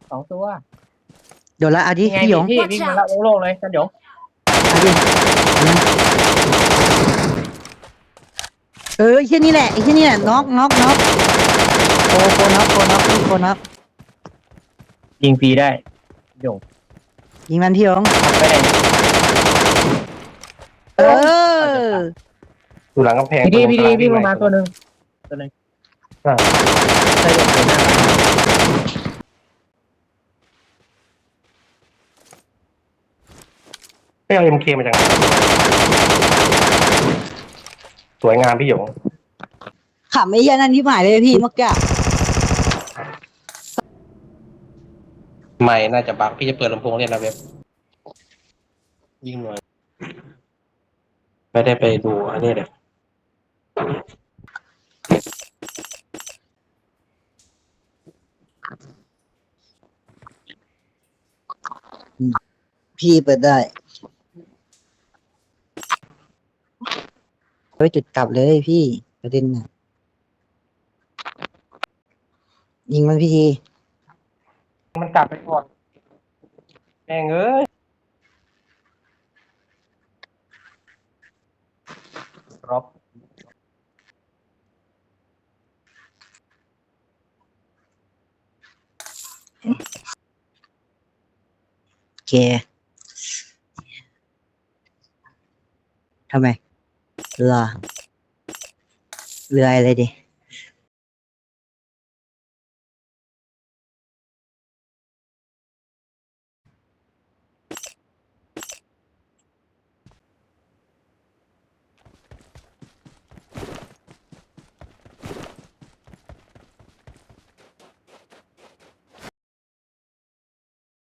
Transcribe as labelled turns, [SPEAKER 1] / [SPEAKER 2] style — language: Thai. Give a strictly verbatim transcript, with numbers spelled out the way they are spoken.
[SPEAKER 1] สองตัว
[SPEAKER 2] เดี๋ยวละเอาดิ
[SPEAKER 1] ยังไง
[SPEAKER 2] พี่หย
[SPEAKER 1] พี่
[SPEAKER 2] ง
[SPEAKER 1] พี่วิ่งมาแล้วโล่งๆเลยจันหยง
[SPEAKER 2] เอาดิเออไอ้แค่นี้แหละไอ้แค่นี้แหละน็อกน็อกน็อกโคโคน็อกโคน็อกพี่โคน็อก
[SPEAKER 1] ยิงฟรีได้หยง
[SPEAKER 2] ยิงมันพี่หยง
[SPEAKER 1] ทำไปไหน
[SPEAKER 2] เออ
[SPEAKER 3] อยู่หลังกำแพง
[SPEAKER 1] พี่ดีพี่ดี
[SPEAKER 3] ตรงกล
[SPEAKER 1] วิ่งลง
[SPEAKER 3] ให
[SPEAKER 1] มาตัวหนึ่งตัวหนึ่ง
[SPEAKER 3] อ่ะ
[SPEAKER 1] ใช่หยงตัวหน้า
[SPEAKER 3] ไม่เอาเอ็มเคมาจากไหนสวยงามพี่หยง
[SPEAKER 2] ขำไอ้เหี้ยันนั่นที่หมายเลยพี่เมื่อกี้
[SPEAKER 3] ใหม่น่าจะบักพี่จะเปิดลำโพงเล่นนะเว็บยิ่งหน่อยไม่ได้ไปดูอันนี้เลย
[SPEAKER 2] พี่เปิดได้เฮ้ยจุดกลับเลยพี่ประเด็นน่ะยิงมันพี่ที
[SPEAKER 3] มันกลับไปก่อนแม่งเอ้ยรอบ
[SPEAKER 2] โอเคทำไมเรือเรืออะไรดิ